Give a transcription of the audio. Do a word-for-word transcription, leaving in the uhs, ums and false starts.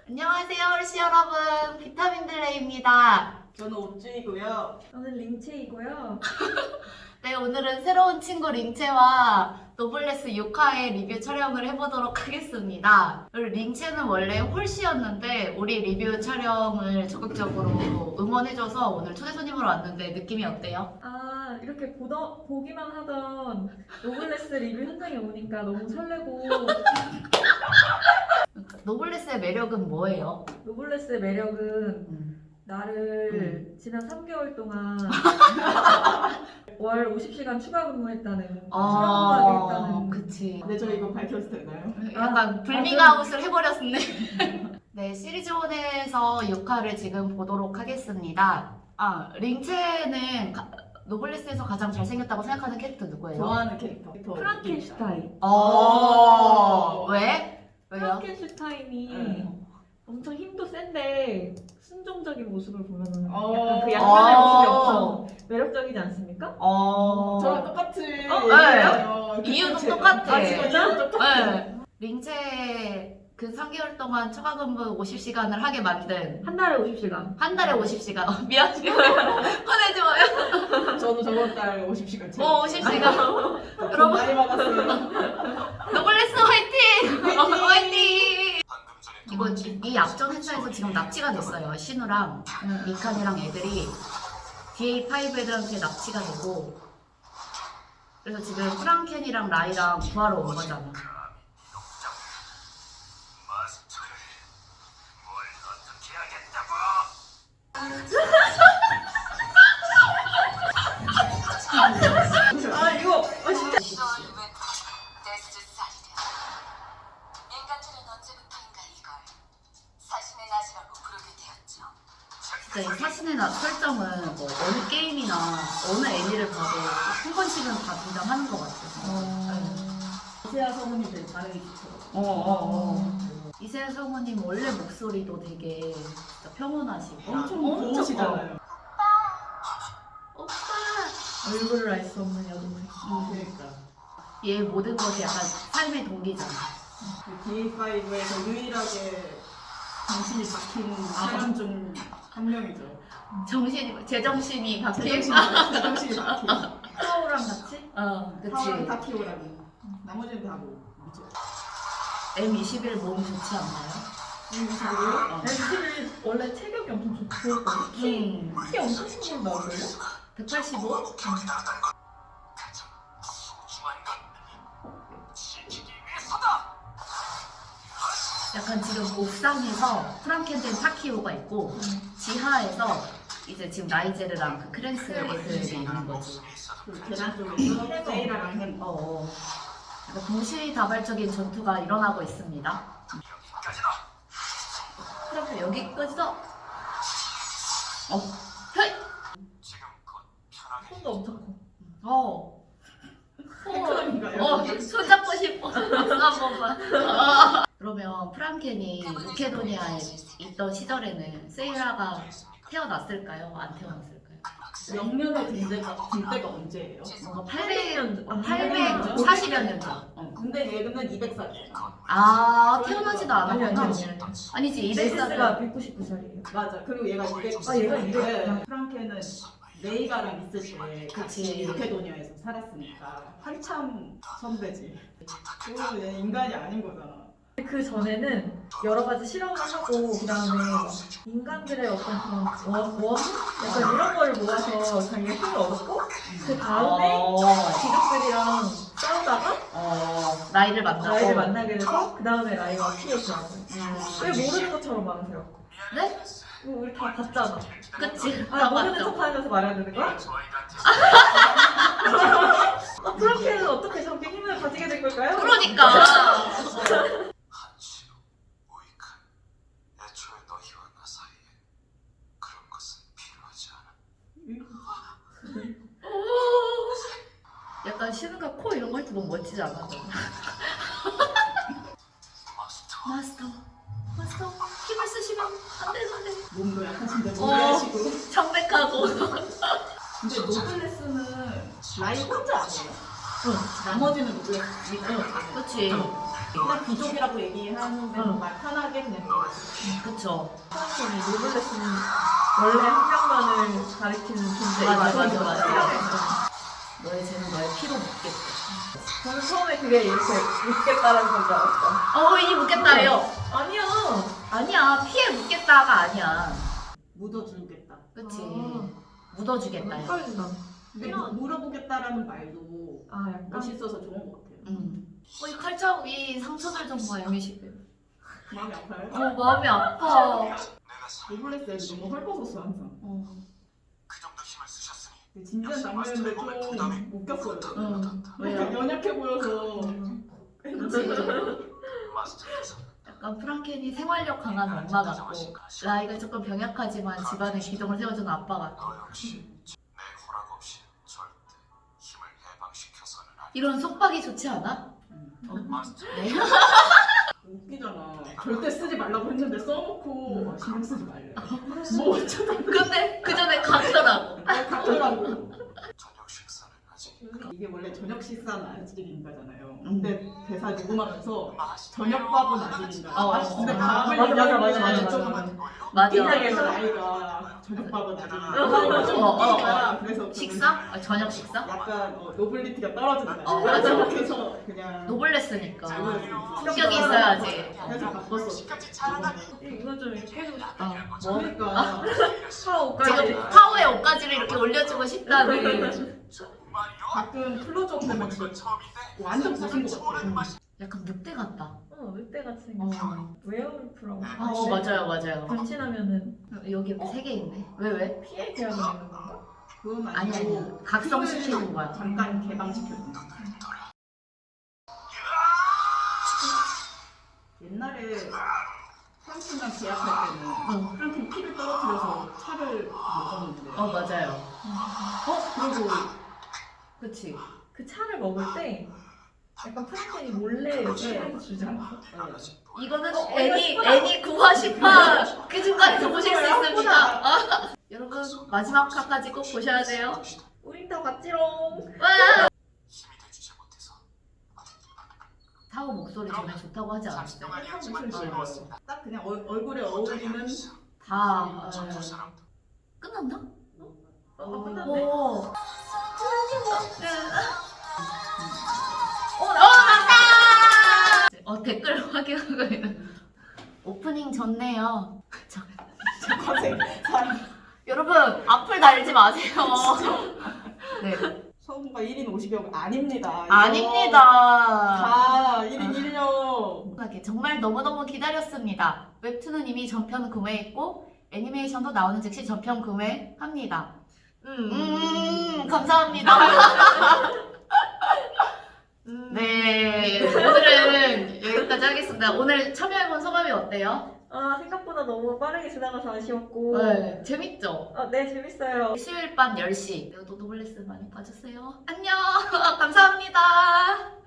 안녕하세요, 홀씨 여러분. 비타민들레입니다. 저는 옥주이고요. 저는 링체이고요. 네, 오늘은 새로운 친구 링체와 노블레스 육 화의 리뷰 촬영을 해보도록 하겠습니다. 그리고 링체는 원래 홀씨였는데 우리 리뷰 촬영을 적극적으로 응원해줘서 오늘 초대 손님으로 왔는데 느낌이 어때요? 아, 이렇게 보더, 보기만 하던 노블레스 리뷰 현장에 오니까 너무 설레고, 노블레스의 매력은 뭐예요? 노블레스의 매력은 음. 나를 지난 삼 개월 동안 월 오십 시간 추가 근무했다는, 추가 근무하겠다는. 그치. 근데 저 이거 밝혀도 되나요? 약간 불밍아웃을 해버렸네. 네, 시리즈원에서 육 화를 지금 보도록 하겠습니다. 아, 링체는 가, 노블레스에서 가장 잘생겼다고 생각하는 캐릭터 누구예요? 좋아하는 캐릭터. 프랑켄슈타인. 어, 왜? 왜요? 프랑켄슈타인이 응. 엄청 힘도 센데 순종적인 모습을 보면은 어. 약간 그 약간의 어. 모습이 엄청 매력적이지 않습니까? 어. 저랑 똑같이. 어, 얘기해요. 이유도 그 똑같아. 아, 진짜? 이유도 똑같아. 네. 링체 그 삼 개월 동안 추가 근무 오십 시간을 하게 만든 한 달에 오십 시간. 한 달에 오십 시간. 어, 미안해요. 꺼내지 마요. 저도 저번 달 오십 시간 채. 어, 오십 시간. 여러분 많이 받았어요. 노블레스 화이팅! 어, 화이팅! 이거 이, 이 앞전 회사에서 지금 납치가 됐어요. 신우랑 미칸이랑 애들이 디에이 파이브 애들한테 납치가 되고, 그래서 지금 프랑켄이랑 라이랑 구하러 온 거잖아. 아 이거 아 진짜. 진짜 이 사신의 낮 설정은 뭐 어느 게임이나 어느 애니를 봐도 한 번씩은 다 등장하는 것 같아서. 이세아 성우님 반응이 좋더라고요. 어, 어, 어. 이세아 성우님 원래 목소리도 되게 진짜 평온하시고 엄청 고우시잖아요. 오빠! 얼굴을 알 수 없는 여동생. 어, 그러니까. 얘 모든 것이 약간 삶의 동기잖아. 그 디에이 파이브에서 유일하게 정신이 박힌 사람 중 한 명이죠. 정신이, 제정신이 바뀐. 제정신이 제정신이 박힌. 파오랑 같이 어, 파워랑 그치. 타키오라는. 나머지는 다 뭐. 미쳐. 엠 이십일 몸 좋지 않나요? 음, 자고요? 어. 엠씨를 원래 체격이 엄청 좋- 좋았거든. 키, 음. 키 엄청 큰 걸로 나올걸요? 백팔십오? 약간 지금 옥상에서 프랑켄된 타키오가 있고 지하에서 이제 지금 라이제르랑 그 크랜스 애들이 있는 거지. 그 계단 쪽에서 세이라랑 햄. 어, 어. 약간 동시다발적인 전투가 일어나고 있습니다. 그럼 여기까지도. 어, 헤이. 손도 엄청 커. 어. 팬클럽인가요? 어, 손잡고 싶어. 한 번만. 그러면 프랑켄이 무케도니아에 있던 시절에는 세이라가 태어났을까요? 안 태어났을까요? 영면에 든 데가, 든 때가 언제예요? 뭔가 팔백 년, 전. 팔백사십여 년 전. 어. 근데 얘는 이백 살이에요. 아, 태어나지도 아니 아니 않았구나. 아니. 아니. 아니지, 이백 네시스가 살은. 백구십구 살이에요. 맞아. 그리고 얘가 이백. 아, 얘가 이백? 네. 프랑켄은 레이가랑 있을 때 같이 그치. 무케도니아에서 살았으니까 한참 선배지. 그리고 얘 인간이 아닌 거잖아. 그 전에는 여러 가지 실험을 하고 그다음에 인간들의 어떤 그런 원, 원? 약간 이런 걸 모아서 자기가 힘을 얻었고 그 다음에 어, 귀족들이랑 싸우다가 어, 나이를 만나고. 라이를 만나게 돼서 그 다음에 라이가 피해더라고요. 음. 왜 모르는 것처럼 말하세요? 네? 이거 우리 다 봤잖아. 그치. 아 다 모르는 맞죠? 척하면서 말해야 되는 거야? 아, 프랑켄은 어떻게 저렇게 힘을 가지게 된 걸까요? 그러니까. 애초에 너희와 나 사이에 그런 것은 필요하지 않아. 약간 신우가 코 이런 거 할 때 너무 멋지지 않아? 마스터. 마스터. 마스터. 힘을 쓰시면 안 돼, 안 돼. 몸도 약하신데 어. 무리하시고. 청백하고. 근데 노블레스는 라이 혼자 아니에요? 응. 나머지는 노블레스. 그치. 어. 그냥 귀족이라고 얘기하는데 응. 말 편하게 그냥 얘기했어요. 그쵸. 프랑켄이 노블레스는 원래 한 명만을 가리키는 존재. 맞아, 맞아, 맞아. 너의 죄는 너의 피로 묻겠다. 저는 처음에 그게 이렇게 묻겠다라는 건줄 알았어. 어, 이 묻겠다예요. 아니야. 아니야, 피에 묻겠다가 아니야. 묻어주겠다. 그치. 아. 묻어주겠다요. 헷갈린다. 근데 뭐 물어보겠다라는 말도 아 약간 멋있어서 좋은 것 같아요. 음. 어, 이 칼자국이 상처들 좀 봐요. 마음이 아파요? 어, 마음이 아파. 내가 살 노블레스에 너무 헐벗었어 항상. 어. 그 정도 힘을 쓰셨으니 근데 진지한 장면인데 좀 웃겼어요. 응. 왜요? 왜요? 연약해 보여서. 마스터께서 약간 프랑켄이 생활력 강한 엄마 같고 라이가 조금 병약하지만 집안에 기둥을 세워주는 아빠 같고 너 역시 내 허락 없이 절대 힘을 해방시켜서는 안 돼. 이런 속박이 좋지 않아? 마스터 네. 웃기잖아. 절대 쓰지 말라고 했는데 써놓고 어, 신경 쓰지 말래. 뭐 어쩌다 근데 그 전에 각서라고. 같더라고. 저녁 식사는 아직 이게 원래 저녁 식사는 아직인가잖아요. 음. 근데 대사 녹음하면서 맛있다. 저녁밥은 아직인가. 어, 근데 어, 다음에 맞아, 맞아, 맞아, 얘기하면 맞아, 좀 맞아. 맞아. 이상해서 나이가 저녁밥은 아직인가. 좀 어, 어, 웃기니까 그래서 저는 식사? 아, 저녁 식사? 약간 어, 노블리티가 떨어진다. 어, 맞아. 그래서 그냥 노블레스니까 노블레스. 품격이 있어야지. 그래서 바꿨어. 이거 좀 이렇게 해주고 싶다. 뭐? 그러니까 파워 옷까지. 지금 파워의 옷가지를 이렇게 올려주고 싶다는 가끔 클로즈업 보면 진짜 완전 보신 것 같아요. 약간 늑대 같다. 어 늑대같이 생겼어. 어, 웨어울프라고. 어 맞아요 맞아요. 변신하면은 여기 이렇게 세 개 있네. 왜 왜? 피해 계약을 내는 건가? 그건 아니 아니고 아니 각성시키는 거야. 잠깐 개방시켜줘. 옛날에 프랑켄이랑 계약할 때는 어. 프랑켄 피를 떨어뜨려서 차를 먹었는데 어 맞아요. 어? 그리고 그치. 그 차를 먹을 때 약간 프랑켄이 몰래 피해서 주지 않았어? 이거는 어, 애니 이거 애니 구화 십화 그 중간에서 보실 수 있습니다. 아, 여러분 마지막 화까지 꼭 보셔야 돼요. 우린 다 같지롱. 와! 힘이 돼주지 못해서 타오 목소리 전에 좋다고 하지 삼십 않았어요? 동안이었지만 즐거웠습니다. 딱 그냥 얼, 얼굴에 어울리는 다 전부 어, 사람도 끝났나? 어 끝났네. 오. 어 어 나. 맞다! 어 댓글 확인하고 있는. 오프닝 좋네요. 저, 과색 사람 여러분 앞을 달지 마세요. 네. 성우가 일 인 오십여 명 아닙니다. 이거 아닙니다. 다 일 인 일 역. 정말 너무너무 기다렸습니다. 웹툰은 이미 전편 구매했고 애니메이션도 나오는 즉시 전편 구매합니다. 음. 음 감사합니다. 음. 네 오늘은 여기까지 하겠습니다. 오늘 참여해본 소감이 어때요? 아 생각보다 너무 빠르게 지나가서 아쉬웠고. 네 재밌죠? 어, 네 재밌어요. 수요일 밤 열 시 노블레스 많이 봐주세요. 안녕 감사합니다.